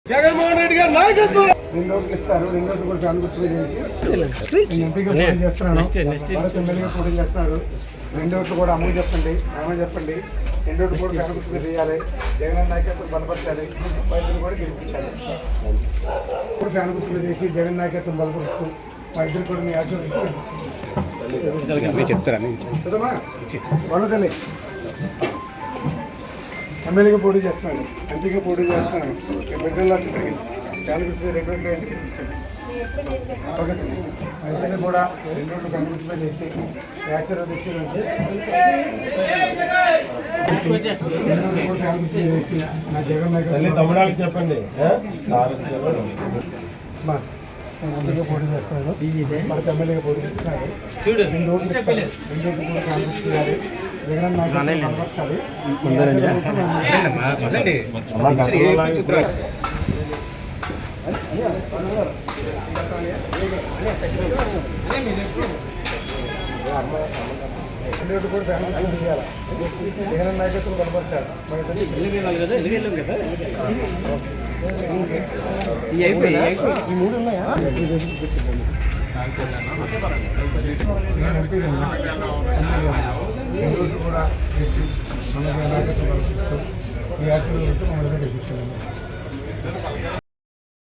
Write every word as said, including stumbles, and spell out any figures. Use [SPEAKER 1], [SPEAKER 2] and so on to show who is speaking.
[SPEAKER 1] జగన్మోహన్ రెడ్డి గారు నాయకత్వం.
[SPEAKER 2] రెండు రోజులు ఇస్తారు. రెండు రోజులు కూడా అనుమతులు చేసి నేను ఎంపీగా పోటీ చేస్తున్నాను. భారత ఎమ్మెల్యేగా పోటీ చేస్తున్నారు. రెండు రోజులు కూడా అమలు చెప్పండి, ఏమని చెప్పండి. రెండు రోజులు కూడా అనుమతులు చేయాలి. జగన్ నాయకత్వం బలపరచాలి. వైద్యులు కూడా గెలిపించాలి. ఇప్పుడు అనుమతులు చేసి జగన్ నాయకత్వం బలపరుస్తూ వైద్యులు కూడా మీ ఆశీర్వదించాలి. చెప్తారా వాళ్ళ ఎమ్మెల్యేగా పోటీ చేస్తున్నాను, ఎంపీగా పోటీ చేస్తున్నాను. బిడ్డల్లో చాలా రెండు రోజులు వేసి గెలిపించండి. ఓకే అయితే కూడా రెండు రోజులు కనుగొట్టుగా చేసి ఆశీర్వదించాలంటే చేసి నా జగన్
[SPEAKER 1] తమిళనాడు చెప్పండి.
[SPEAKER 2] ఎంపీగా పోటీ చేస్తున్నాను, మనకు ఎమ్మెల్యేగా పోటీ చేస్తున్నాను. రెండు రోజులు రెండు రోజులు కూడా కాంగ్రెస్ చేయాలి. జగన్ నాయకులు బలపరచాలి. రెండు కూడా ఫ్యామిలీ చేయాలి. జగన్ నాయకత్వం బలపరచాలి. ఈ మూడు ఉన్నాయా? కూడా ఈ ఆశీర్వాదంతో మమ్మల్ని గెలిపించాలి.